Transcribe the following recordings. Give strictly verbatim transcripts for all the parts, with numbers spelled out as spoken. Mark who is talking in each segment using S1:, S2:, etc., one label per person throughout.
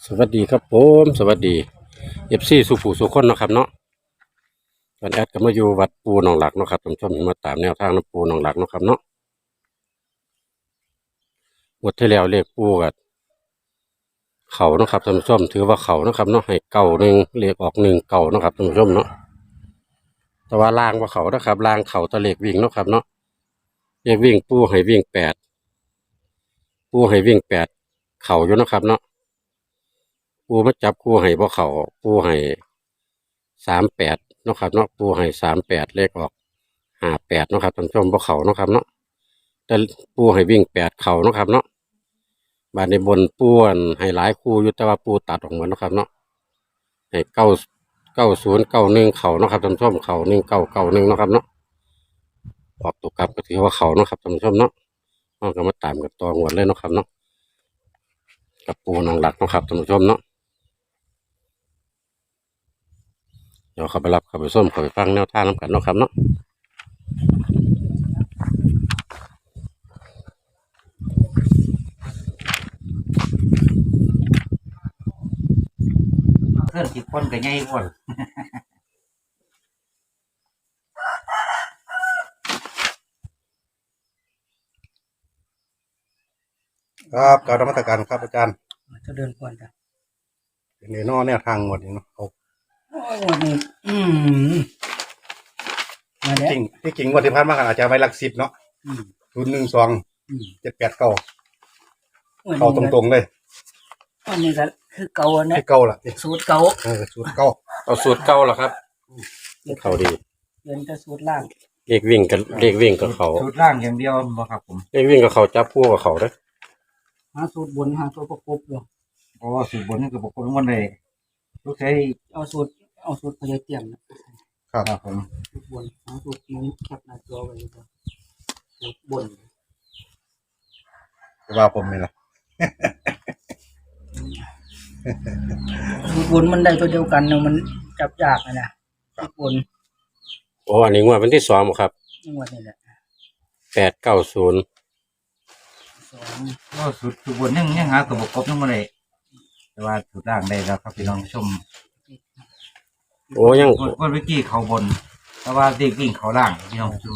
S1: สวัสดีครับผมสวัสดีเอฟซีสุภูสุคนเนาะครับเนาะวันแอดก็มาอยู่วัดปูหนองหลักเนาะครับท่านผู้ชมมาตามแนวทางน้ำปูหนองหลักเนาะครับเนาะงวดที่แล้วเลขปูกับเขาเนาะครับท่านผู้ชมถือว่าเขาเนาะครับเนาะให้เก่าหนึ่งเลขออกหนึ่งเก่าเนาะครับท่านผู้ชมเนาะแต่ว่าล่างว่าเขานะครับล่างเขาตะเลขวิ่งเนาะครับเนาะเลขวิ่งปูให้วิ่งแปดปูให้วิ่งแปดเขาอยู่เนาะครับเนาะปูมาจับปูให้บ่เขาปูให้สามแปดเนาะครับเนาะปูให้สามแปดเลขออกห้าแปดเนาะครับท่านผู้ชมบ่เขาเนาะครับเนาะแต่ปูให้วิ่งแปดเขาเนาะครับเนาะบานในบนปูอันให้หลายคู่อยู่แต่ว่าปูตัดออกหมดเนาะครับเนาะให้เก้าเก้าศูนย์เก้าหนึ่งเขาเนาะครับท่านผู้ชมเขาหนึ่งเก้าเก้าหนึ่งเนาะครับเนาะออกตัวกลับก็ถือว่าเขาเนาะครับท่านผู้ชมเนาะเราก็มาตามกันต่อหมดเลยเนาะครับเนาะกับปูนองหลักเนาะครับท่านผู้ชมเนาะเดี๋ยวเขาไปรับเขาไปส้มเขาไปฟังแนวทางน้ำกันเนาะครับเนาะ
S2: เพื่อนสิบคนก็ใหญ่กว่า
S3: ครับการนมัสการครับอาจารย์
S2: จะเดินก่อนจ้ะ
S3: เป็นในนอแนวทางหมดนี่เนาะเอา
S2: โอ้ยวันนี้อืมมาแล้ว
S3: จริงที่จริงวันที่ผ่านมากันอาจจะไว้หลักสิบเนาะ
S2: อืม
S3: ศูนย์หนึ่งสอง
S2: อืม
S3: เจ็ดแปดเก้า
S2: วัน
S3: เข้า
S2: นี้
S3: ตรงๆเลย
S2: วันนี้ก็คือเก่าเนี่
S3: ที่
S2: ย
S3: เก้าล่ะ
S2: สูตรเก่า
S3: เออสูตรเก้า
S1: เอาสูตรเก่าเหรอครับเขาดี
S2: เดินแต่สูตรล่าง
S1: เลขวิ่งกับเลขวิ่งกับเขา
S4: ชุดล่างอย่างเดียวบ่ครับผม
S1: เลขวิ่งกับเขาจับคู่กับเขาเด้อ
S2: หาสูตรบนหาสูตรประกบอยู่
S4: เพราะว่าสูตรบนนี่ก็บอกคนวันใดลูกใช้
S2: เอาสูตรเอาสูตรพยายเตรียมนะครับ
S4: ครับผม
S2: สูตรบนหาสูตรนี้แคปหน้าจอไว้เลยจ้ะสูตรบน
S3: ว่าผมนี่แหละ
S2: สูตรบนมันได้ตัวเดียวกันเนาะมันจับยากนะนะสูตรบน
S1: โอ้อันนี้งวดวันที่สองบ่ครับ
S2: จังหวัดนี่แหละ
S1: แปดเก้าศูนย์
S2: สอง
S4: ก็สูตรสูตรบนยังยังหาตัวประกบยังบ่ได้แต่ว่าสูตรล่างได้แล้วครับพี่น้องผู้ชม
S1: โอ้ยัง
S4: งวดงวดเมื่อกี้เขาบน แต่ว่าเด็กวิ่งเขาล่างพี่น้องผู้ชม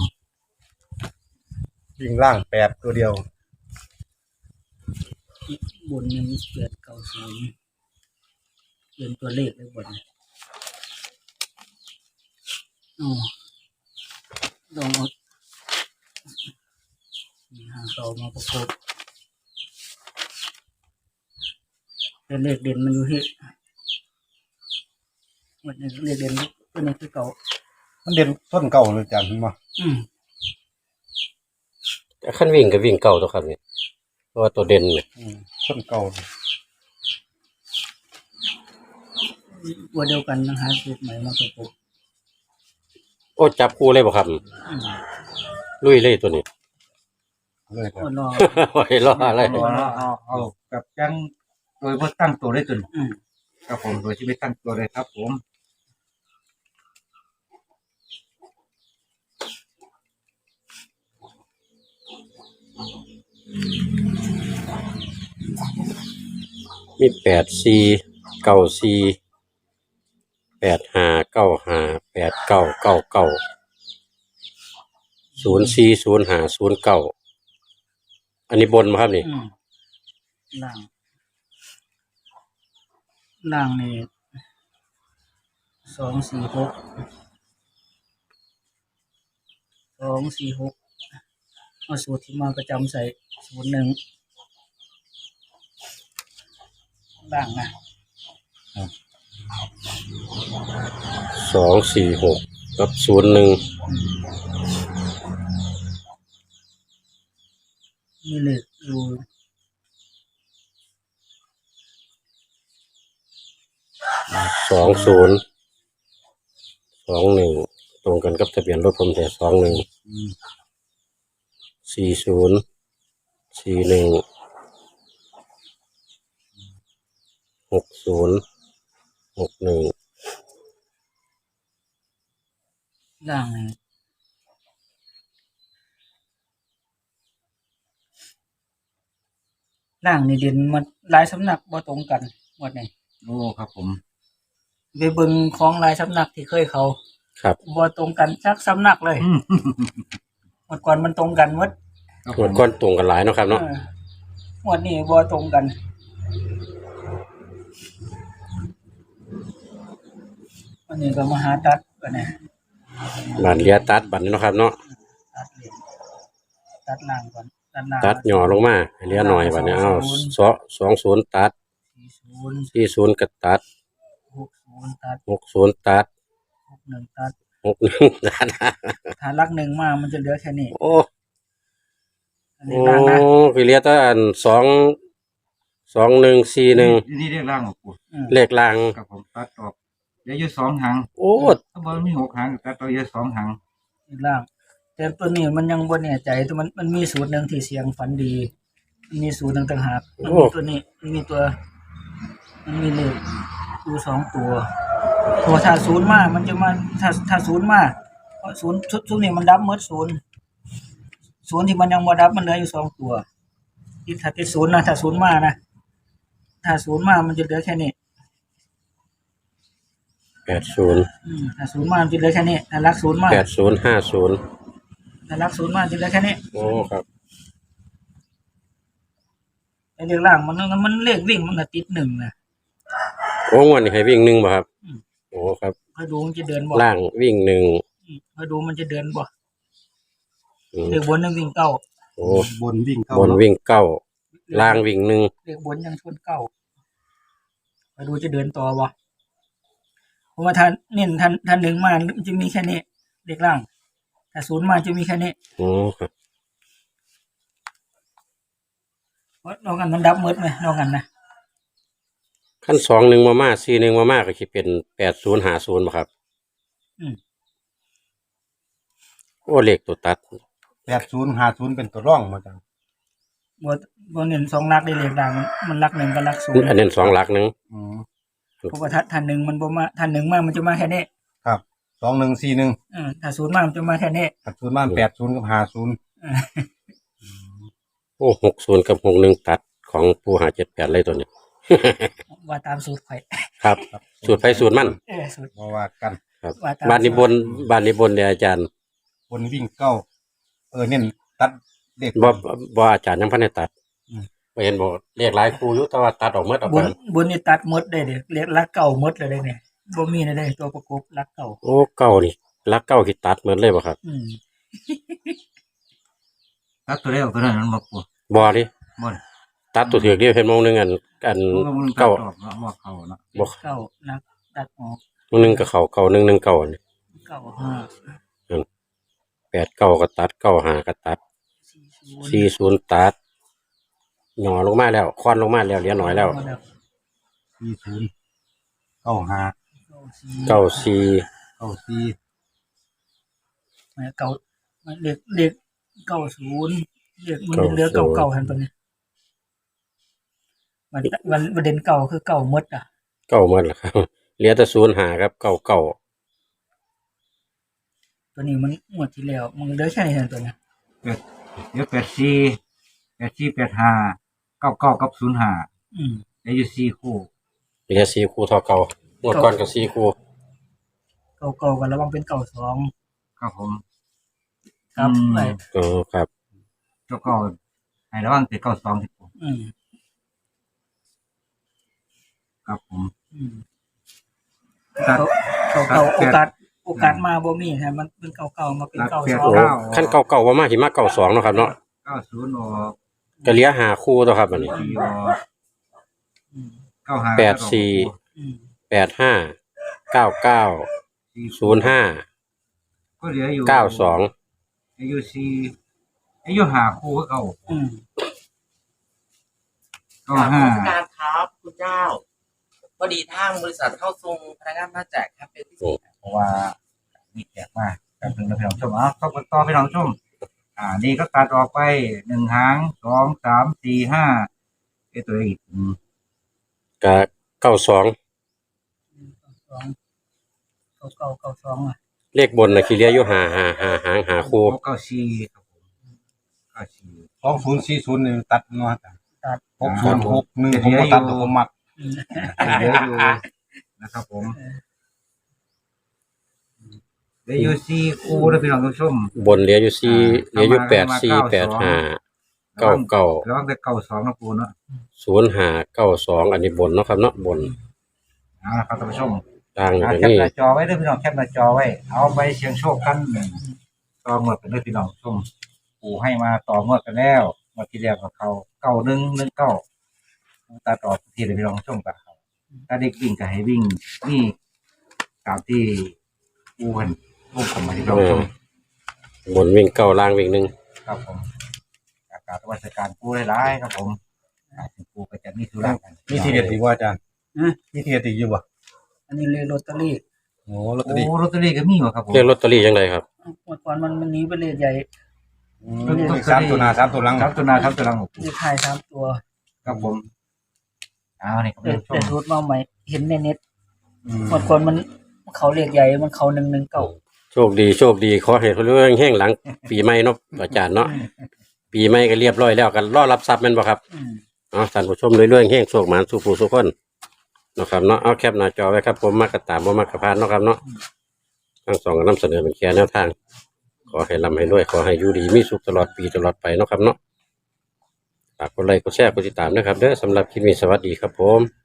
S3: วิ่งล่างแปดตัวเดียว
S2: บนยังเกิดเก่าศูนย์เขียนตัวเลขไว้บนอ๋อลองเอาหาเก่ามาประกบเป็นเลขเด่นมันอยู่ที่มันเลขเด่นตัวนี้คือเก่า
S3: มันเด่นต้นเก่าเลยอาจารย์เห็นบ่
S2: อืม
S1: แต่ขั้นวิ่งกับวิ่งเก่าตัวครับเนี่ยเพราะว่าตัวเด่นเนี่ย
S3: อืมต้นเก่า
S2: ตัวเดียวกันนะหาสูตรใหม่มาประกบ
S1: โอ้จับคู่เลยบ่ครับ
S2: อืม
S1: ลุยเลยตัวนี้
S3: เลยครั
S2: ก็
S3: บ
S2: รอ
S1: โอ้ยรออะไร
S4: เอาเอาเอากับยังโดยบ่ตั้งตัวได้จน
S2: อืม
S4: ครับผมโดยที่ไม่ตั้งตัวเลยครับผม
S1: มีแปดสี่เก้าสี่แปดห้าเก้าห้าแปดเก้าเก้าเก้าศูนย์สี่ศูนย์ห้าศูนย์เก้าอันนี้บนมาครับนี่
S2: อืมล่างล่างนี่สองสี่หกสองสี่หกเอาสูตรที่มาประจำใส่ศูนย์หนึ่งล่างนะ
S1: สองสี่หกกับศูนย์หนึ่ง
S2: มีเลขอยู่
S1: สองศูนย์สองหนึ่งตรงกันกับทะเบียนรถผมแต่สองหนึ่งสี่ศูนย์สี่หนึ่งหกศูนย์หกหนึ่ง
S2: ล่างนี่ล่างนี่เด่นมันหลายสำนักบ่ตรงกันบ่วดนี้
S4: โอ้ครับผม
S2: ไปเบิ่งของหลายสำนักที่เคยเขา
S1: ครับ
S2: บ่ตรงกันสักสำนักเลย
S4: อืม
S2: หมดก่อนมันตรงกันหมด
S4: ครับ
S1: ห
S4: ผม
S1: ดก้อนตรงกันหลายเนาะครับเนาะ
S2: เออหมดนี้บ่ตรงกันวันนี้ก็มาหาตัดกันนะ
S1: บานเลียตัดบัดนี้เนาะครับเนาะ
S2: ตัดเหรียญตัดล่างก่อนตัดล่าง
S1: ตัดหย่อลงมาให้เหลียหน่อยบัดนี้เอาสองสองศูนย์ตัด
S2: สี่ศูนย์
S1: สี่ศูนย์ก็ตัด
S2: หกศูนย์ตัด
S1: หกศูนย์ตัด
S2: หกหนึ่งตัด
S1: หกหนึ่งตัด
S2: ถ้าลักหนึ่งมามันจะเหลือแค่นี้
S1: โอ้
S2: อันนี้
S1: โอ้
S2: ล่างนะ
S1: คือเลียแตอันสองสองหนึ่งสี่หนึ่ง
S4: นี่เรียกร่างของปู
S2: อืม
S1: เลขล่าง
S4: ครับผมตัดออกเดี๋ยวอยู่สองหาง
S1: โอ้
S4: ถ้าบอลมีหกหางตัดตัวเยอะสองหาง
S2: อีกล่าง แต่ตัวนี้มันยังบ่แน่ใจแต่มันมันมีสูตรหนึ่งที่เสียงฝันดี มันมีสูตรหนึ่งต่างหากมันมีตัวนี้มันมีตัว มันมีเลขอยู่สองตัวตัวถ้าศูนย์มามันจะมาถ้าถ้าศูนย์มาเพราะศูนย์ชุดชุดนี้มันดับหมดศูนย์ศูนย์ที่มันยังบ่ดับมันเหลืออยู่สองตัวที่ถ้าติดศูนย์นะถ้าศูนย์มานะถ้าศูนย์มามันจะเหลือแค่นี้
S1: แปดศูนย์
S2: อืมถ้าศูนย์มามันจะเหลือแค่นี้ถ้ารักศูนย์มา
S1: แปดศูนย์ห้าศูนย์
S2: ถ้ารักศูนย์มาจะเหลือแค่นี้
S1: โอ้ครับ
S2: ไอ้เรื่องล่างมันมันเลขวิ่งมันก็ติดหนึ่งนะ
S1: โอ้งวันนี้ให้วิ่งหนึ่งบ่ครับ
S2: อืม
S1: โอ้ครับ
S2: คอยดูมันจะเดินบ่
S1: ล่างวิ่งหนึ่ง
S2: อืมคอยดูมันจะเดินบ่
S1: อืม
S2: เลขบนยังวิ่งเก้า
S1: โอ้
S3: บนวิ่งเข้า
S1: บนวิ่งเก้าล่างวิ่งหนึ่ง
S2: เลขบนยังชนเก้าคอยดูจะเดินต่อบ่เพราะว่าถ้าเน้นท่านท่านหนึ่งมามันจะมีแค่นี้เลขล่างถ้าศูนย์มาจะมีแค่นี้
S1: โอ้ครับ
S2: เพราะนอกกันมันดับหมดไหมนอกกันนะ
S1: ขั้นสองหนึ่งมามาสี่หนึ่งมามาก็คิดเป็นแปดศูนย์หาศูนย์บ่ครับ
S2: อืม
S1: โอ้เลขตัวตัด
S3: แปดศูนย์ห้าศูนย์เป็นตัวร่องมาจัง
S2: บ่บ่เน้นสองหลักได้เลขล่างมันมันหลักหนึ่งกับหลักศูนย์
S1: อันนี้สองหลักหนึ่ง
S3: อืม
S2: เพราะว่าถ้าท่านหนึ่งมันบ่มาท่านหนึ่งมามันจะมาแค่นี้
S3: ครับสองหนึ่งสี่หนึ่ง
S2: เออถ้าศูนย์มามันจะมาแค่นี้
S3: ตัดศูนย์มาแปดศูนย์กับห้าศูนย์
S2: เออ
S1: โอ้หกศูนย์กับหกหนึ่งตัดของปูหาเจ็ดแปดเลยตัวนี้
S2: ว่าตามสูตรข่อย
S1: ครับ สูตรไฟสูตรมัน
S2: เออสูตร
S3: เพราะว่ากัน
S1: ครับ
S2: ว่าตาม
S1: บ้านนี้บนบ้านนี้บนเนี่ยอาจารย์
S3: บนวิ่งเข้าเออเน้นตัดเด็ก
S1: บ่บ่อาจารย์ยังพันได้ตัด
S3: อืม
S1: บ่เห็นบ่เรียกหลายครูอยู่แต่ว่าตัดออกหมดออก
S2: บ
S1: ไป
S2: นบนนี่ตัดหมดได้เด้เรียกลักเก่าหมดเลยเด้เนี่ยบ่มีเลยเด้ตัวประกบลักเก่า
S1: โอ้เก้านี่หลักเก้าที่ตัดหมดเลยบ่ครับ
S2: อืม
S4: ตัดตัวได้ออกตัวนั้นมันมาปู
S1: บ่ดิ
S4: บน
S1: ตัดตัวถือเดียวเห็นมองหนึงอันอัน
S4: มันตัด
S1: เก้า
S4: ออกเนาะว่าเขาเนาะ
S1: บ่
S2: เก่าลักตัดออก
S1: มองหนึงก็เข้าเก้าหนึ่งหนึ่งเก้านี่
S2: เก่าห้า
S1: แปดเก้าก็ตัดเก้าห้าก็ตัด
S2: สี่ศูนย์
S1: สี่ศูนย์ตัดหน่อลงมาแล้วควันลงมาแล้วเหลือหน่อยแล้ว
S3: สี่ศูนย์เก้าห้า
S1: เก้าสี่
S3: เก้าสี่
S2: เก่าเด็กเด็กเก่าศูนย์เด็กมันเหลือเก่าเก่าหันตัวนี้มันมันประเด็นเก่าคือเก่าหมดอ่ะ
S1: เก้าหมดแล้วครับ เหลือแต่ศูนย์ห้าครับเก้าเก้า
S2: ตัวนี้มันหมดที่แล้วมันเหลือแค่นี้เท่านั้นตัวนี้
S4: แปดเดี๋ยวแปดสี่แปดสี่แปดห้าเก้าเก้ากับศูนย์ห้า
S2: อืม
S4: เดี๋ยวอยู่สี่คู่
S1: เหลือสี่คู่เท่าเก่าเมื่อก่อนก็สี่คู่
S2: เก่าเก่ากันระวังเป็นเก่าสอง
S4: ครับผม
S2: ครับ
S4: อืม
S2: ไป
S1: อ๋อครับ
S4: เจ้าเก้าให้ระวังติดเก้าสองสิบ
S2: อืม
S4: ครับผม
S2: อืม
S4: ตัด
S2: เก่าเก่า
S4: ตัด
S2: โอกาสโอกาสมาบ่มีฮะมันเป็นเก่าเก่ามาเป็น
S4: ตัด
S2: เก่า
S4: เปลี่ยน
S2: สอง
S1: โอ้
S4: เก้า
S1: ขั้นเก่าเก่าว่ามาหิมะเก่าสองเนาะครับเนาะ
S4: เก้าศูนย์ออก
S1: ก็เหลือห้าคู่ตัวครับอันนี้
S4: สี่ออก
S2: อืม
S4: เก้าห้า
S1: แปดสี่
S2: อืม
S1: แปดห้าเก้าเก้า
S4: สี่
S1: ศูนย์ห้า
S4: ก็เหลืออยู่
S1: เก้าสอง
S4: อายุสี่อายุหาคู่ก็เก่า
S2: อืม
S4: เก้าห้า
S5: การครับคุณเจ้าพอดีทางบริษัทเข้าทรงพนักงานมาแจกแคมเปญพิเศษ
S4: เพราะว่ามีแจกมากการถึงเราพี่น้องชมอ่ะต้องกันต่อพี่น้องชม อ่า นี่ก็ตัดออกไปหนึ่งหางสองสามสี่ห้าไอตัวอีกอืม
S1: กับเก้าสอง
S2: สองเก่าเก่าเก่าสองอ่ะ
S1: เลขบนนะคือเหลืออยู่ห้าห้าห้าหางหาคู่
S4: เก้าสี่ครับผมเก้าสี่
S3: สองศูนย์สี่ศูนย์นี่ตัดเนาะจ้ะ
S2: ตัด
S3: หกศูนย์หกหนึ่งผมก็ตัดแต่ผมมัก
S4: เหลืออยู่นะครับผมเหลืออยู่สี่คู่นะพี่น้องผู้ชม
S1: บนเหลืออยู่สี่เหลืออยู่แปดสี่แปดห้าเก้าเก้า
S4: แล้วแต่เก้าสองนะปูเนาะ
S1: ศูนย์ห้าเก้าสองอันนี้บนเนาะครับเนาะบน
S4: เอาละครับท่านผู้ชม
S1: ล่างอยู่
S4: อ่า
S1: ตรง
S4: แคป
S1: นี้
S4: หน้าจอไว้ด้วยพี่น้องแคปหน้าจอไว้เอาไปเสียงโชคกันต่อเมื่อกันด้วยพี่น้องผู้ชมปูให้มาต่อเมื่อกันแล้วเมื่อที่แล้วกับเขาเก้าหนึ่งหนึ่งเก้าตาต่อทีเลยพี่น้องผู้ชมกับเขาถ้าเด็กวิ่งก็ให้วิ่งนี่ตามที่ปูเห็นปูผมมาที่เราผู้ชม
S1: บนวิ่งเก้าล่างวิ่งหนึ่ง
S4: ครับผมอากาศวัชการปูหลายๆครับผมอาถึงปูก็จะมีธุระกัน
S3: มีทีเด็ดอีกว่าอาจารย์
S2: ฮะ
S3: มีทีเด็ดอีกอยู่บ่
S2: อันนี้เลยลอตเตอรี่
S3: โอ้ลอตเตอ
S4: โอ้
S3: รี่
S4: ลอตเตอรี่ก็มีวะครับผม
S1: เรียกลอตเตอรี่ยังไงครับ
S2: เมื่อก่อนมันมันหนีไปเลขใหญ่
S3: ต้องสามตัวหน้าสามตัวหลัง
S4: ครับตัวหนาครับตัวหลังของปู
S2: เลขท้ายสามตัว
S4: ครับผมเอาเนี่ยครับ
S2: เด็ด
S4: ท่าน
S2: เด็ด
S4: ผู้ชม
S2: รูดมาใหม่เห็นในเน็ต
S3: อืม
S2: เมื่อก่อนมันเขาเลขใหญ่มันเขาหนึ่งหนึ่งเก้า
S1: โชคดีโชคดีขอให้เรื่องแห้งหลัง ปีใหม่เนาะอาจารย์เนาะปีใหม่ก็เรียบร้อยแล้วกันรอรับทรัพย์แม่นบ่ครับ
S2: อืม
S1: เนาะท่านผู้ชมเรื่อยๆแห้งโชคหมานสู่ผู้สุขคนเนาะครับเนาะเอาแคปหน้าจอไว้ครับผมมากระตามบ่มากระพานเนาะครับเนาะทั้งสองก็นำเสนอเป็นแค่แนวทาง ขอให้ร่ำให้รวยขอให้อยู่ดีมีสุขตลอดปีตลอดไปเนาะครับเนาะฝากกดไลค์กดแชร์กดติดตามนะครับเด้อสำหรับคลิปนี้สวัสดีครับผม